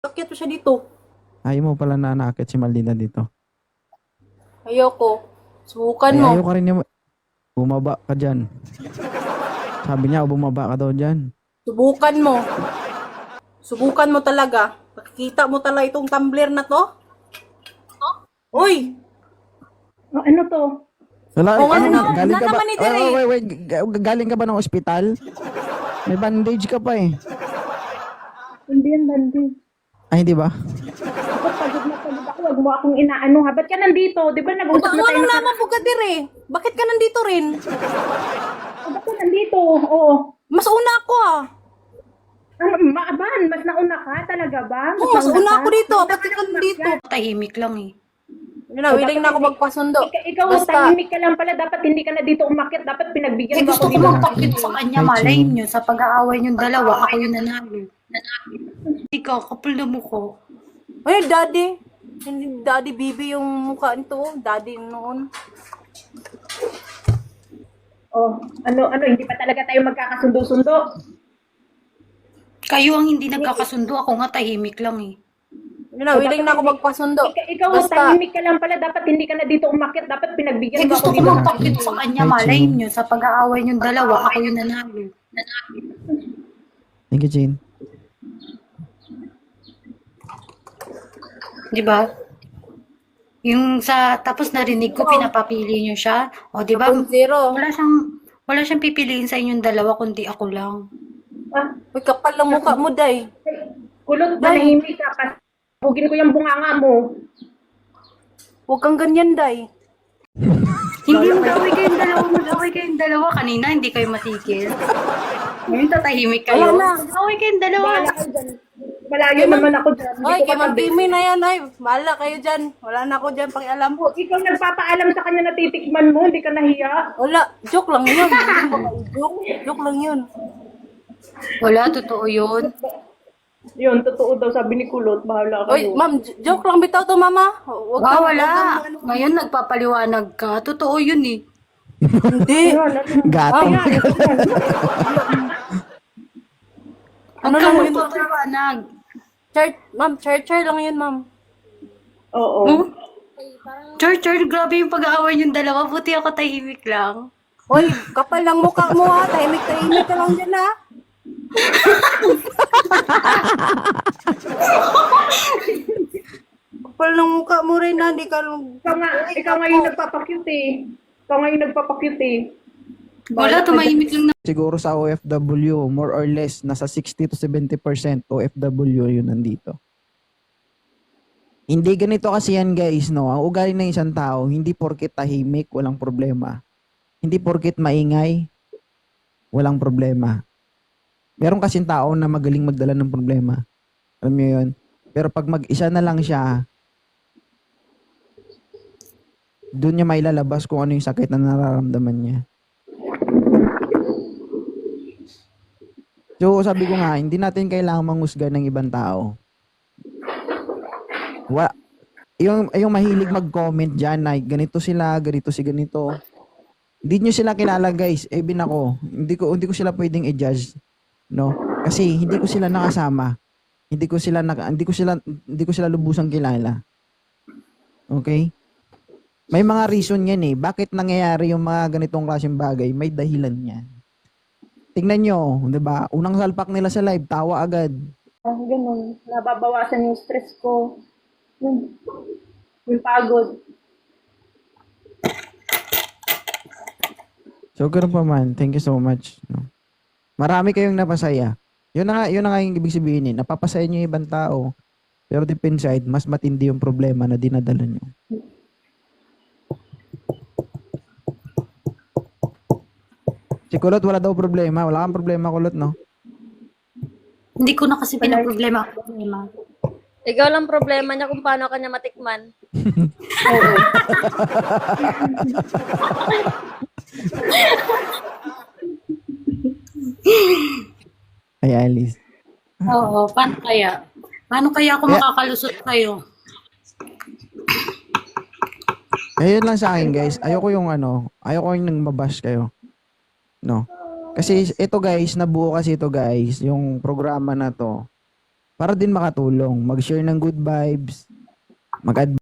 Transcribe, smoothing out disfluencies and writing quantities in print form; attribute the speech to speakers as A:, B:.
A: Bakit mo siya dito?
B: Ayaw mo pala na naakit si Maldita dito.
A: Ayoko. Subukan
B: Ay,
A: mo.
B: ayaw ka rin niya. Bumaba ka dyan. Sabi niya, bumaba ka daw dyan.
A: Subukan mo. Subukan mo talaga. Makikita mo talaga itong tumbler na to? Uy!
C: Ano to?
B: Wala,
A: Oo,
B: ano,
A: ano,
B: galing ka ba?
A: naman ni Tere.
B: Wait. Galing ka ba ng ospital? May bandage ka pa eh.
C: Hindi yan, Bandi.
B: Ay, hindi ba?
C: Ako, pagod na pagod ako. Huwag mo akong inaano ha. Ba't ka nandito? Di ba nag-usap na tayo
A: Ano
C: na
A: naman po Dire? Bakit ka nandito rin?
C: Ba't ka nandito? Oo.
A: Mas una ako
C: Ano, maaban, mas nauna ka talaga ba?
A: Oo, mas una
C: ka?
A: ako dito. Bakit ka nandito?
D: Tahimik lang eh.
A: Yun na, willing na ako magpasundo.
C: Ikaw, tahimik ka lang pala. Dapat hindi ka na dito umakyat. Dapat
D: Eh
C: pinagbigyan mo
D: gusto
C: ako
D: ko
C: dito.
D: magpakit sa kanya,
B: Ay,
D: malay
B: Chin.
D: nyo, sa pag-aaway nyo dalawa, ako yung nanalo. Ikaw, kapal na mo ko.
A: Ay, daddy. Hindi daddy Bibi yung mukha nito. Daddy noon.
C: Oh, ano, hindi pa talaga tayo magkakasundo-sundo.
D: Kayo ang hindi nagkakasundo, ako nga tahimik lang eh.
A: Yun na, willing na ako magpasundo.
C: Ikaw,
A: Basta,
C: tahimik ka lang pala. Dapat hindi ka na dito umakyat. Dapat
D: Eh
C: pinagbigyan mo
D: gusto
C: ako
D: ko
C: dito.
D: magpakit sa kanya,
B: Ay,
D: malay
B: Chin.
D: nyo, sa pag-aaway nyo dalawa, ako yung nanalo.
B: Thank you, Jane.
D: Di ba? Yung tapos narinig ko, pinapapili nyo siya. O di ba?
A: 0.
D: Wala siyang pipiliin sa inyong dalawa, kundi ako lang.
C: Ah,
A: Uy, kapal ng mukha mo, day.
C: kulot, manahimik ka. Pasugin ko yung bunganga mo.
A: Huwag kang ganyan, day.
D: Hindi mag-away kayong dalawa. Kanina, hindi kayo matigil. Ngayon, tatahimik kayo.
A: Wala na.
D: Mag-away kayong dalawa.
C: Bahala ka dyan. Malayo naman ako dyan. Hindi
A: Ay,
C: ko
A: kay Ma'am
C: katabi.
A: Timmy na yan, ay. Bahala kayo dyan. Wala na ako dyan, pakialam.
C: Ikaw nagpapaalam sa kanya na titikman mo, hindi ka nahiya.
A: Wala, joke lang yun. Joke lang yun.
D: Wala, totoo yun.
C: Yun, totoo daw sabi ni Kulot, bahala
A: Uy,
C: kayo.
A: ma'am, joke lang bitaw to, mama. Huwag kang-
D: Wala.
A: huwag kang-
D: Ngayon, nagpapaliwanag ka. Totoo yun eh.
A: Hindi.
C: Yun,
B: Gatong.
A: Ano
D: Ano
A: lang
D: lang
A: yun?
D: magpapaliwanag?
A: Ma'am, char lang yun, ma'am.
C: Oo.
D: Hmm? Char, grabe yung pag-aaway yung dalawa. Buti ako tahimik lang.
A: Uy, kapal lang mukha mo ha. Tahimik ka lang dyan ha. Kapal ng mukha mo rin ha. Hindi ka lang...
C: Ikaw nga yung nagpapakute eh. Ikaw nga yung nagpapakute eh.
D: Wala, tumahimik lang na.
B: Siguro sa OFW, more or less, nasa 60 to 70% OFW yun nandito. Hindi ganito kasi yan guys, no? Ang ugali ng isang tao, hindi porket tahimik, walang problema. Hindi porket maingay, walang problema. Meron kasing tao na magaling magdala ng problema. Alam niyo yun? Pero pag mag-isa na lang siya, doon niya mailalabas kung ano yung sakit na nararamdaman niya. So, sabi ko nga, hindi natin kailangan manghusga ng ibang tao. Yung mahilig mag-comment dyan na ganito sila, ganito si ganito. Hindi nyo sila kilala guys. Even ako, hindi ko sila pwedeng i-judge, no? Kasi hindi ko sila nakasama. Hindi ko sila lubusang kilala. Okay? May mga reason yan eh. Bakit nangyayari yung mga ganitong klaseng bagay? May dahilan yan. Tingnan nyo, 'di ba? Unang salpak nila sa live, tawa agad.
C: Ganun. Nababawasan yung stress ko. Yung pagod.
B: So, ganun pa man. Thank you so much. No? Marami kayong napasaya. Yun na nga yung ibig sabihin eh. Napapasaya nyo yung ibang tao. Pero deep inside, mas matindi yung problema na dinadala nyo. Si Kulot, wala daw problema. Wala kang problema, Kulot, no?
D: Hindi ko na kasi pinaproblema.
E: Ikaw lang problema niya kung paano kanya matikman.
B: Ay, Alice.
D: Oo, paano kaya? Paano kaya ako makakalusot kayo?
B: Ayun lang sa akin, guys. Ayoko yung nang mabash kayo. No? Kasi ito, guys, nabuo kasi ito, guys, yung programa na to para din makatulong. Mag-share ng good vibes, mag